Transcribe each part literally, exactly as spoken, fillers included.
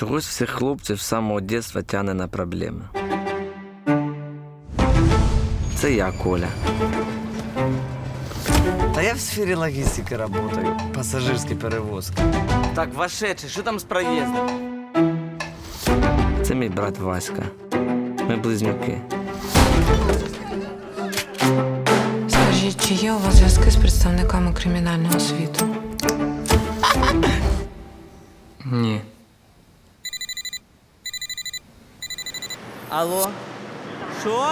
Чогось всіх хлопців з самого дитинства тягне на проблеми. Це я, Коля. Та я в сфері логістики працюю, пасажирські перевозки. Так, вошедший, що там з проїздом? Це мій брат Васька. Ми близнюки. Скажіть, чи є у вас зв'язки з представниками кримінального світу? Ні. Алло? Що?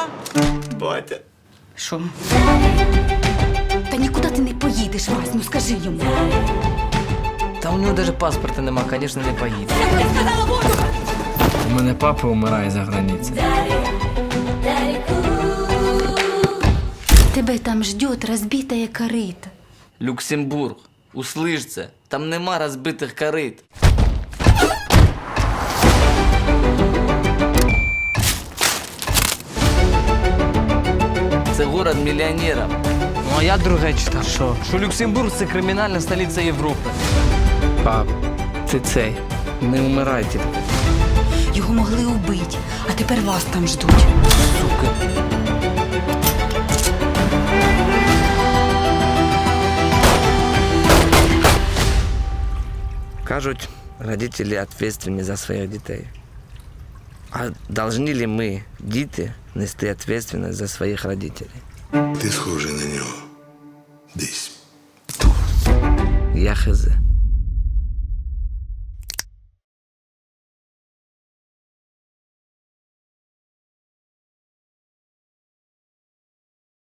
Що? Та нікуди ти не поїдеш, Вась, ну скажи йому. Та у нього навіть паспорта нема, звісно, не поїде. У мене папа вмирає за границею. Тебе там ждет розбитая корита. Люксембург, услиш це, там нема розбитих корит. Це город мільйонерів. Ну а я друге читав. Що? Що Люксембург це кримінальна столиця Європи. Пап, ти цей, не вмирайте. Його могли убити, а тепер вас там ждуть. Сука. Кажуть, родителі відповідальні за своїх дітей. А повинні ли ми, діти, нести відповідальність за своїх родителей? Ти схожий на нього. Десь. Я хз.